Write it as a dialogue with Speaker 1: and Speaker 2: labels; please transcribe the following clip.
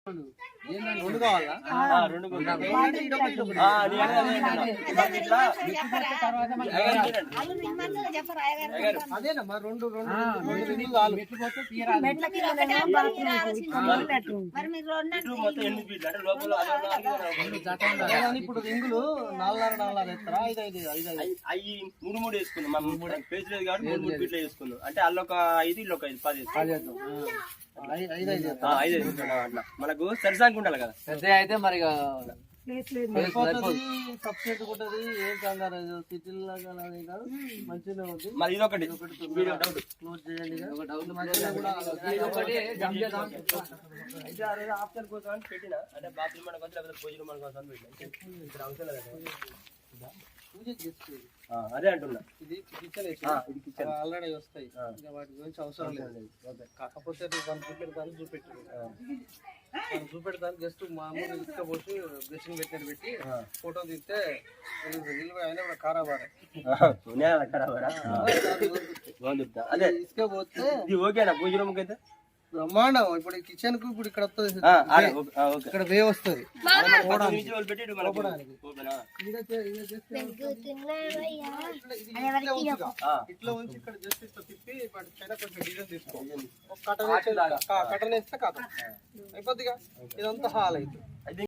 Speaker 1: రెండు కావాలా? అదేనమ్మా రెండు ఇప్పుడు రింగులు 4.5 ఎత్తరా? 5
Speaker 2: 3 వేసుకున్నాం. పేజ్ లేదు కాబట్టి 3 ఫీట్లు వేసుకున్నాం. అంటే అల్లొక 5 ఇల్లొక 5 10 అట్లా మనకు సరిసాంగ్ ఉండాలి కదా.
Speaker 1: పెద్ద అయితే మరి సబ్సిడీ ఉంటది. ఏం కంగారు సిటీలో కాదు, మంచిగా ఉంది.
Speaker 2: మరి ఇదొకటి
Speaker 1: క్లోజ్ చేయండి.
Speaker 2: ఆప్షన్ కోసం అని పెట్టిన, అంటే బాత్రూమ్ మన కోసం లేకపోతే పూజ రూమ్ కోసం పెట్టిన. ఇక్కడ అవసరం లేదా అదే అంటున్నా.
Speaker 1: ఇది కిచెన్ ఆల్రెడీ వస్తాయి, వాటి గురించి అవసరం లేదు. కాకపోతే చూపెడతాను జస్ట్ మామూలు ఇసుక పోసి బ్రషింగ్ పెట్టినట్టు పెట్టి ఫోటో తీస్తే అయినా కూడా ఖరాబారా
Speaker 2: అదే
Speaker 1: ఇసుక పోతే
Speaker 2: ఇది ఓకేనా పూజ రూమ్కి అయితే
Speaker 1: బ్రహ్మాండం. ఇప్పుడు కిచెన్ కు ఇప్పుడు ఇక్కడ వస్తుంది, ఇక్కడ వే వస్తుంది. ఇట్లా ఉంచి ఇక్కడ జస్ట్ ఇట్లా తిప్పి వాటి పైన కొంచెం డిజైన్ తీసుకో, కటన్ వేస్తే కాదు అయిపోద్దిగా. ఇదంతా హాల్ అయితే